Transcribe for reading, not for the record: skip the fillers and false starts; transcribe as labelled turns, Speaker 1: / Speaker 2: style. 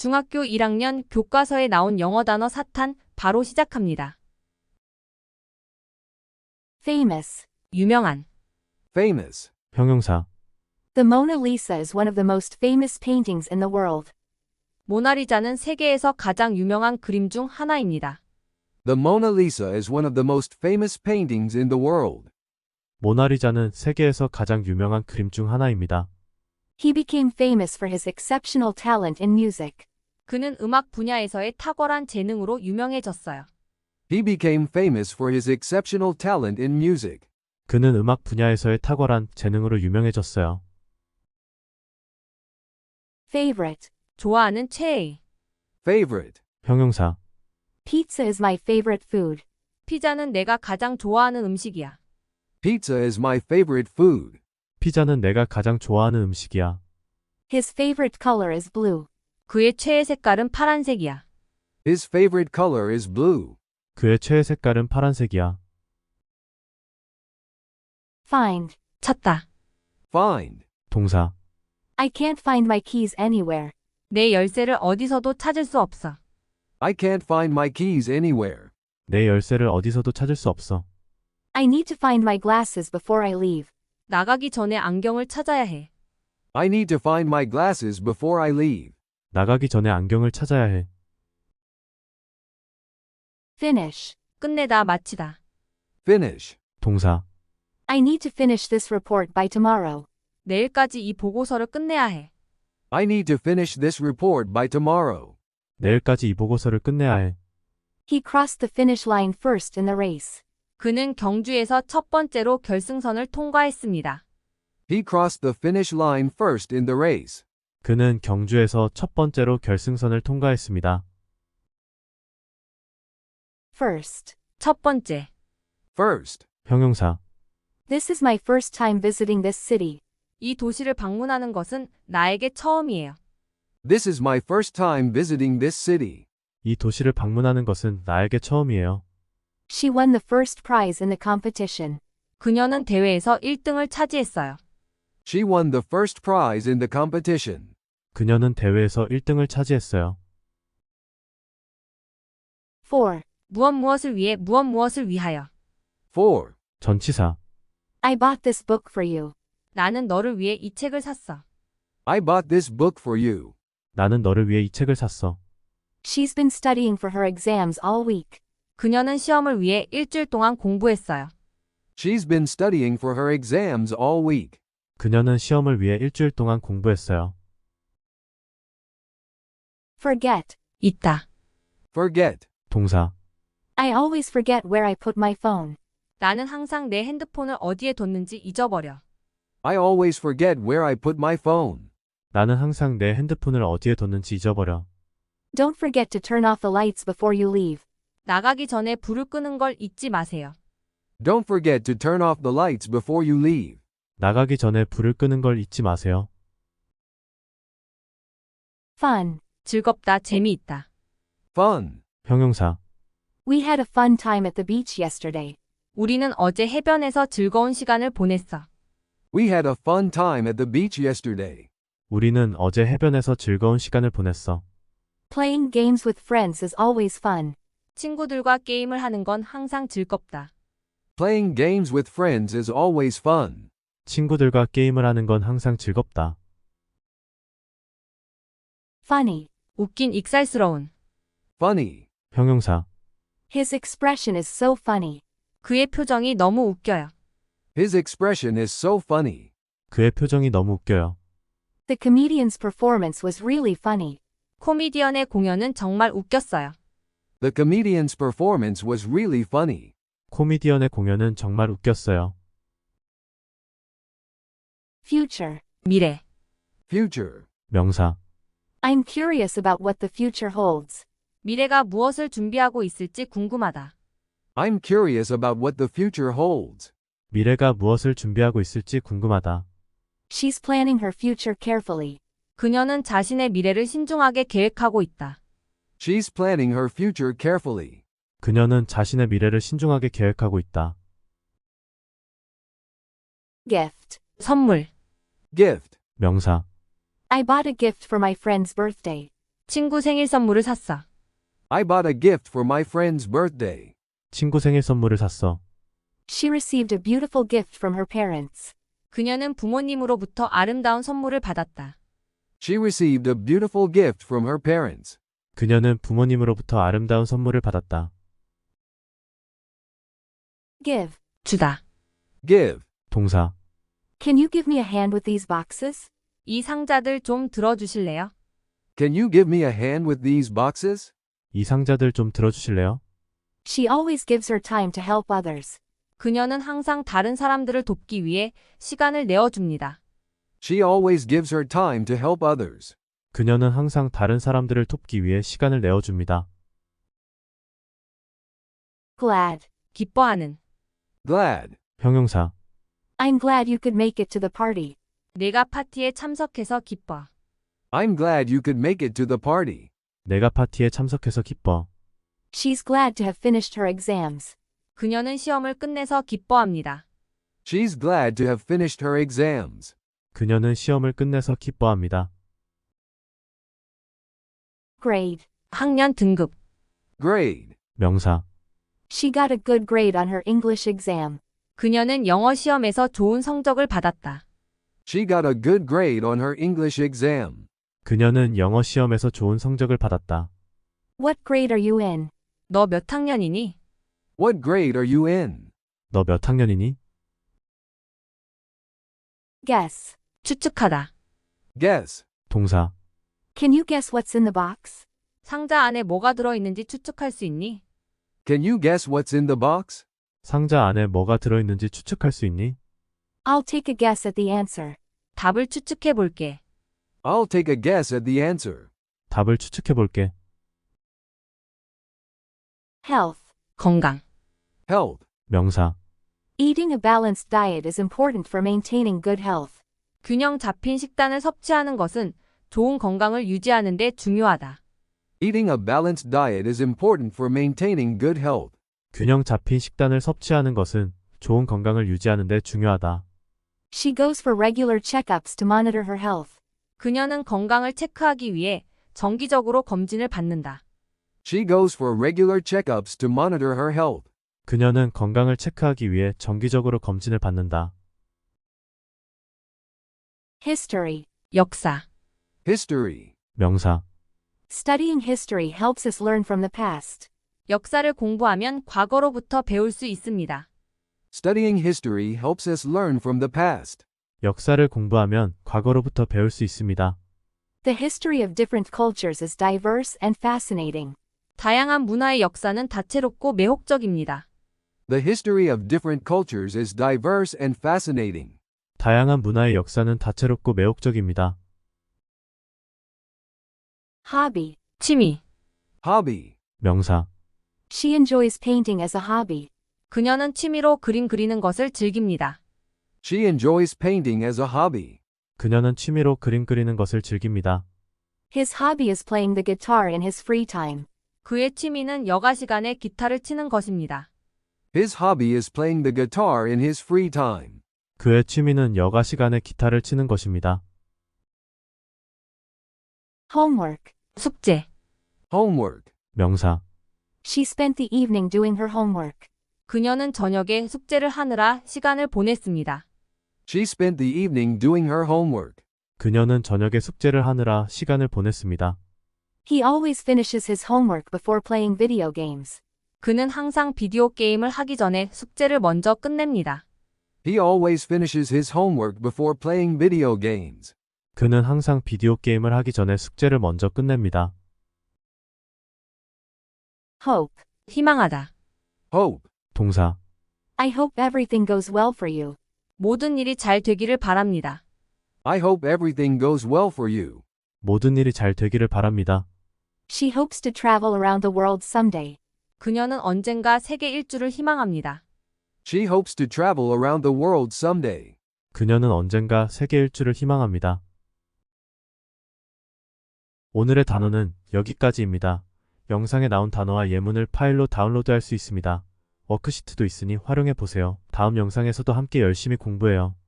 Speaker 1: 중학교 1학년 교과서에 나온 영어 단어 사탄 바로 시작합니다.
Speaker 2: Famous.
Speaker 1: 유명한.
Speaker 3: Famous.
Speaker 4: 형용사.
Speaker 2: The Mona Lisa is one of the most famous paintings in the world.
Speaker 1: 모나리자는 세계에서 가장 유명한 그림 중 하나입니다.
Speaker 3: The Mona Lisa is one of the most famous paintings in the world.
Speaker 4: 모나리자는 세계에서 가장 유명한 그림 중 하나입니다.
Speaker 2: He became famous for his exceptional talent in music.
Speaker 1: 그는 음악 분야에서의 탁월한 재능으로 유명해졌어요.
Speaker 3: He became famous for his exceptional talent in music.
Speaker 4: 그는 음악 분야에서의 탁월한 재능으로 유명해졌어요.
Speaker 2: Favorite.
Speaker 1: 좋아하는 최애.
Speaker 3: Favorite.
Speaker 4: 형용사.
Speaker 2: Pizza is my favorite food.
Speaker 1: 피자는 내가 가장 좋아하는 음식이야.
Speaker 3: Pizza is my favorite food.
Speaker 4: 피자는 내가 가장 좋아하는 음식이야.
Speaker 2: His favorite color is blue.
Speaker 1: 그의 최애 색깔은 파란색이야.
Speaker 3: His favorite color is blue.
Speaker 4: 그의 최애 색깔은 파란색이야.
Speaker 2: Find.
Speaker 1: 찾다.
Speaker 3: Find.
Speaker 4: 동사.
Speaker 2: I can't find my keys anywhere.
Speaker 1: 내 열쇠를 어디서도 찾을 수 없어.
Speaker 3: I can't find my keys anywhere.
Speaker 4: 내 열쇠를 어디서도 찾을 수 없어.
Speaker 2: I need to find my glasses before I leave.
Speaker 1: 나가기 전에 안경을 찾아야 해.
Speaker 3: I need to find my glasses before I leave.
Speaker 4: 나가기 전에 안경을 찾아야 해.
Speaker 2: Finish.
Speaker 1: 끝내다 마치다.
Speaker 3: Finish.
Speaker 4: 동사.
Speaker 2: I need to finish this report by tomorrow.
Speaker 1: 내일까지 이 보고서를 끝내야 해.
Speaker 3: I need to finish this report by tomorrow.
Speaker 4: 내일까지 이 보고서를 끝내야 해.
Speaker 2: He crossed the finish line first in the race.
Speaker 1: 그는 경주에서 첫 번째로 결승선을 통과했습니다.
Speaker 3: He crossed the finish line first in the race.
Speaker 4: 그는 경주에서 첫 번째로 결승선을 통과했습니다.
Speaker 2: First.
Speaker 1: 첫 번째.
Speaker 3: First.
Speaker 4: 형용사.
Speaker 2: This is my first time visiting this city.
Speaker 1: 이 도시를 방문하는 것은 나에게 처음이에요.
Speaker 3: This is my first time visiting this city.
Speaker 4: 이 도시를 방문하는 것은 나에게 처음이에요.
Speaker 2: She won the first prize in the competition.
Speaker 1: 그녀는 대회에서 1등을 차지했어요.
Speaker 3: She won the first prize in the competition.
Speaker 4: 그녀는 대회에서 1등을 차지했어요.
Speaker 2: For.
Speaker 1: 무엇을 위해 무엇을 위하여.
Speaker 3: For.
Speaker 4: 전치사.
Speaker 2: I bought this book for you.
Speaker 1: 나는 너를 위해 이 책을 샀어.
Speaker 3: I bought this book for you.
Speaker 4: 나는 너를 위해 이 책을 샀어.
Speaker 2: She's been studying for her exams all week.
Speaker 1: 그녀는 시험을 위해 일주일 동안 공부했어요.
Speaker 3: She's been studying for her exams all week.
Speaker 4: 그녀는 시험을 위해 일주일 동안 공부했어요.
Speaker 2: Forget.
Speaker 1: 있다.
Speaker 3: Forget.
Speaker 4: 동사.
Speaker 2: I always forget where I put my phone.
Speaker 1: 나는 항상 내 핸드폰을 어디에 뒀는지 잊어버려.
Speaker 3: I always forget where I put my phone.
Speaker 4: 나는 항상 내 핸드폰을 어디에 뒀는지 잊어버려.
Speaker 2: Don't forget to turn off the lights before you leave.
Speaker 1: 나가기 전에 불을 끄는 걸 잊지 마세요.
Speaker 3: Don't forget to turn off the lights before you leave.
Speaker 4: 나가기 전에 불을 끄는 걸 잊지 마세요.
Speaker 2: Fun.
Speaker 1: 즐겁다, 재미있다.
Speaker 3: Fun.
Speaker 4: 형용사.
Speaker 2: We had a fun time at the beach yesterday.
Speaker 1: 우리는 어제 해변에서 즐거운 시간을 보냈어.
Speaker 3: We had a fun time at the beach yesterday.
Speaker 4: 우리는 어제 해변에서 즐거운 시간을 보냈어.
Speaker 2: Playing games with friends is always fun.
Speaker 1: 친구들과 게임을 하는 건 항상 즐겁다.
Speaker 3: Playing games with friends is always fun.
Speaker 4: 친구들과 게임을 하는 건 항상 즐겁다.
Speaker 2: Funny.
Speaker 1: 웃긴, 익살스러운.
Speaker 3: Funny.
Speaker 4: 형용사.
Speaker 2: His expression is so funny.
Speaker 1: 그의 표정이 너무 웃겨요.
Speaker 3: His expression is so funny.
Speaker 4: 그의 표정이 너무 웃겨요.
Speaker 2: The comedian's performance was really funny.
Speaker 1: 코미디언의 공연은 정말 웃겼어요.
Speaker 3: The comedian's performance was really funny.
Speaker 4: 코미디언의 공연은 정말 웃겼어요.
Speaker 2: Future.
Speaker 1: 미래.
Speaker 3: Future.
Speaker 4: 명사.
Speaker 2: I'm curious about what the future holds.
Speaker 1: 미래가 무엇을 준비하고 있을지 궁금하다.
Speaker 3: I'm curious about what the future holds.
Speaker 4: 미래가 무엇을 준비하고 있을지 궁금하다.
Speaker 2: She's planning her future carefully.
Speaker 1: 그녀는 자신의 미래를 신중하게 계획하고 있다.
Speaker 3: She's planning her future carefully.
Speaker 4: 그녀는 자신의 미래를 신중하게 계획하고 있다.
Speaker 2: Gift.
Speaker 1: 선물.
Speaker 3: Gift.
Speaker 4: 명사.
Speaker 2: I bought a gift for my friend's birthday.
Speaker 1: 친구 생일 선물을 샀어.
Speaker 3: I bought a gift for my friend's birthday.
Speaker 4: 친구 생일 선물을 샀어.
Speaker 2: She received a beautiful gift from her parents.
Speaker 1: 그녀는 부모님으로부터 아름다운 선물을 받았다.
Speaker 3: She received a beautiful gift from her parents.
Speaker 4: 그녀는 부모님으로부터 아름다운 선물을 받았다.
Speaker 2: Give.
Speaker 1: 주다.
Speaker 3: Give.
Speaker 4: 동사.
Speaker 2: Can you give me a hand with these boxes?
Speaker 1: 이 상자들 좀 들어주실래요?
Speaker 3: Can you give me a hand with these boxes?
Speaker 4: 이 상자들 좀 들어주실래요?
Speaker 2: She always gives her time to help others.
Speaker 1: 그녀는 항상 다른 사람들을 돕기 위해 시간을 내어줍니다.
Speaker 3: She always gives her time to help others.
Speaker 4: 그녀는 항상 다른 사람들을 돕기 위해 시간을 내어줍니다.
Speaker 2: Glad.
Speaker 1: 기뻐하는.
Speaker 3: Glad.
Speaker 4: 형용사.
Speaker 2: I'm glad you could make it to the party.
Speaker 1: 내가 파티에 참석해서 기뻐.
Speaker 3: I'm glad you could make it to the party.
Speaker 4: 내가 파티에 참석해서 기뻐.
Speaker 2: She's glad to have finished her exams.
Speaker 1: 그녀는 시험을 끝내서 기뻐합니다.
Speaker 3: She's glad to have finished her exams.
Speaker 4: 그녀는 시험을 끝내서 기뻐합니다.
Speaker 2: Grade.
Speaker 1: 학년 등급.
Speaker 3: Grade.
Speaker 4: 명사.
Speaker 2: She got a good grade on her English exam.
Speaker 1: 그녀는 영어 시험에서 좋은 성적을 받았다.
Speaker 3: She got a good grade on her English exam.
Speaker 4: 그녀는 영어 시험에서 좋은 성적을 받았다.
Speaker 2: What grade are you in?
Speaker 1: 너 몇 학년이니?
Speaker 3: What grade are you in?
Speaker 4: 너 몇 학년이니?
Speaker 2: Guess.
Speaker 1: 추측하다.
Speaker 3: Guess.
Speaker 4: 동사.
Speaker 2: Can you guess what's in the box?
Speaker 1: 상자 안에 뭐가 들어있는지 추측할 수 있니?
Speaker 3: Can you guess what's in the box?
Speaker 4: 상자 안에 뭐가 들어있는지 추측할 수 있니?
Speaker 2: I'll take a guess at the answer.
Speaker 1: 답을 추측해 볼게.
Speaker 3: I'll take a guess at the answer.
Speaker 4: 답을 추측해 볼게.
Speaker 2: Health.
Speaker 1: 건강.
Speaker 3: Health.
Speaker 4: 명사.
Speaker 2: Eating a balanced diet is important for maintaining good health.
Speaker 1: 균형 잡힌 식단을 섭취하는 것은 좋은 건강을 유지하는 데 중요하다.
Speaker 3: Eating a balanced diet is important for maintaining good health.
Speaker 4: 균형 잡힌 식단을 섭취하는 것은 좋은 건강을 유지하는 데 중요하다.
Speaker 2: She goes for regular checkups to monitor her health.
Speaker 1: 그녀는 건강을 체크하기 위해 정기적으로 검진을 받는다.
Speaker 3: She goes for regular checkups to monitor her health.
Speaker 4: 그녀는 건강을 체크하기 위해 정기적으로 검진을 받는다.
Speaker 2: History.
Speaker 1: 역사.
Speaker 3: History.
Speaker 4: 명사.
Speaker 2: Studying history helps us learn from the past.
Speaker 1: 역사를 공부하면 과거로부터 배울 수 있습니다.
Speaker 3: Studying history helps us learn from the past.
Speaker 4: 역사를 공부하면 과거로부터 배울 수 있습니다.
Speaker 2: The history of different cultures is diverse and fascinating.
Speaker 1: 다양한 문화의 역사는 다채롭고 매혹적입니다.
Speaker 3: The history of different cultures is diverse and fascinating.
Speaker 4: 다양한 문화의 역사는 다채롭고 매혹적입니다.
Speaker 2: Hobby.
Speaker 1: 취미.
Speaker 3: Hobby.
Speaker 4: 명사.
Speaker 2: She enjoys painting as a hobby.
Speaker 1: 그녀는 취미로 그림 그리는 것을 즐깁니다.
Speaker 3: She enjoys painting as a hobby.
Speaker 4: 그녀는 취미로 그림 그리는 것을 즐깁니다.
Speaker 2: His hobby is playing the guitar in his free time.
Speaker 1: 그의 취미는 여가 시간에 기타를 치는 것입니다.
Speaker 3: His hobby is playing the guitar in his free time.
Speaker 4: 그의 취미는 여가 시간에 기타를 치는 것입니다.
Speaker 2: Homework.
Speaker 1: 숙제.
Speaker 3: Homework.
Speaker 4: 명사.
Speaker 2: She spent the evening doing her homework.
Speaker 1: 그녀는 저녁에 숙제를 하느라 시간을 보냈습니다.
Speaker 3: She spent the evening doing her homework.
Speaker 4: 그녀는 저녁에 숙제를 하느라 시간을 보냈습니다.
Speaker 2: He always finishes his homework before playing video games.
Speaker 1: 그는 항상 비디오 게임을 하기 전에 숙제를 먼저 끝냅니다.
Speaker 3: He always finishes his homework before playing video games.
Speaker 4: 그는 항상 비디오 게임을 하기 전에 숙제를 먼저 끝냅니다.
Speaker 2: Hope.
Speaker 1: 희망하다.
Speaker 3: Hope.
Speaker 4: 동사.
Speaker 2: I hope everything goes well for you.
Speaker 1: 모든 일이 잘 되기를 바랍니다.
Speaker 3: I hope everything goes well for you.
Speaker 4: 모든 일이 잘 되기를 바랍니다.
Speaker 2: She hopes to travel around the world someday.
Speaker 1: 그녀는 언젠가 세계 일주를 희망합니다.
Speaker 3: She hopes to travel around the world someday.
Speaker 4: 그녀는 언젠가 세계 일주를 희망합니다. 오늘의 단어는 여기까지입니다. 영상에 나온 단어와 예문을 파일로 다운로드할 수 있습니다. 워크시트도 있으니 활용해 보세요. 다음 영상에서도 함께 열심히 공부해요.